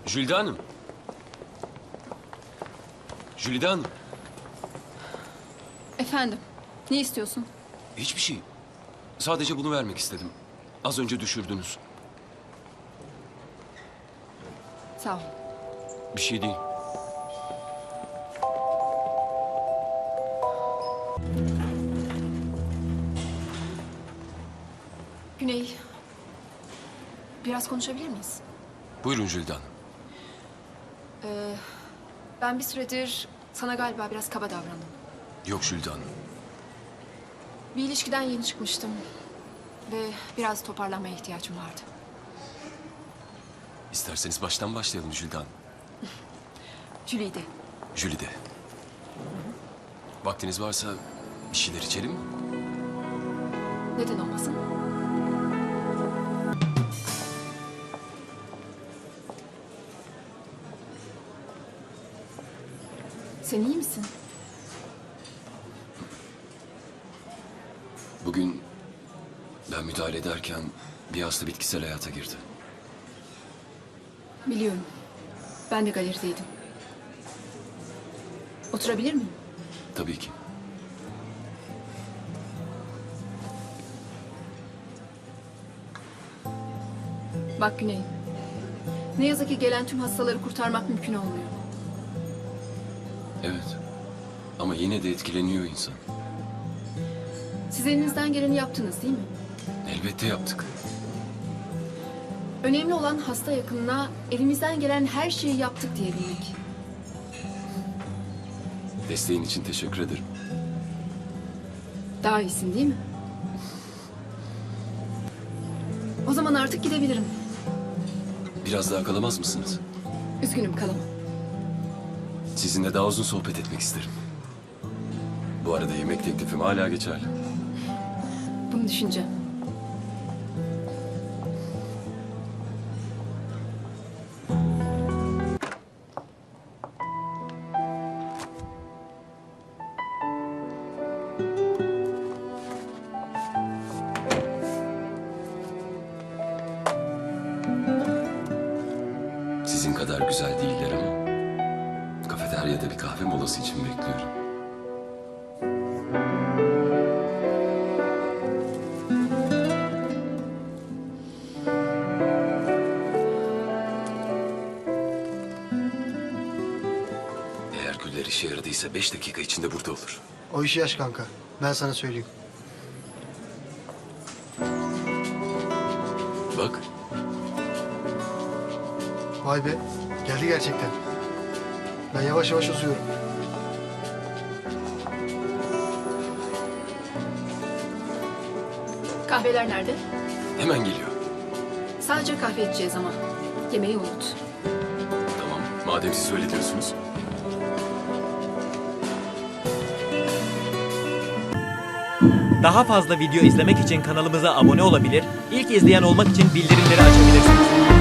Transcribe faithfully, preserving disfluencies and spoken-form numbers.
Jülide Hanım. Jülide Hanım. Efendim, ne istiyorsun? Hiçbir şey. Sadece bunu vermek istedim. Az önce düşürdünüz. Sağ ol. Bir şey değil. Güney, biraz konuşabilir miyiz? Buyurun Jülide Hanım. Ee, ben bir süredir sana galiba biraz kaba davrandım. Yok Jülide Hanım. Bir ilişkiden yeni çıkmıştım. Ve biraz toparlanmaya ihtiyacım vardı. İsterseniz baştan başlayalım Jülide Hanım. Jülide. Jülide. Vaktiniz varsa bir şeyler içelim mi? Neden olmasın? Sen iyi misin? Bugün ben müdahale ederken bir hasta bitkisel hayata girdi. Biliyorum. Ben de galerideydim. Oturabilir miyim? Tabii ki. Bak Güney. Ne yazık ki gelen tüm hastaları kurtarmak mümkün olmuyor. Evet. Ama yine de etkileniyor insan. Siz elinizden geleni yaptınız değil mi? Elbette yaptık. Önemli olan hasta yakınına elimizden gelen her şeyi yaptık diyebilmek. Desteğin için teşekkür ederim. Daha iyisin değil mi? O zaman artık gidebilirim. Biraz daha kalamaz mısınız? Üzgünüm kalamam. Sizinle daha uzun sohbet etmek isterim. Bu arada yemek teklifim hala geçerli. Bunu düşüneceğim. Sizin kadar güzel değiller ama kafeteryada bir kahve molası için bekliyorum. Eğer güller işe yaradıysa beş dakika içinde burada olur. O işi yaş kanka. Ben sana söyleyeyim. Bak, Vay be. Geldi gerçekten. Ben yavaş yavaş uzuyorum. Kahveler nerede? hemen geliyor. Sadece kahve içeceğiz ama. Yemeği unut. Tamam, madem siz öyle diyorsunuz. Daha fazla video izlemek için kanalımıza abone olabilir, ilk izleyen olmak için bildirimleri açabilirsiniz.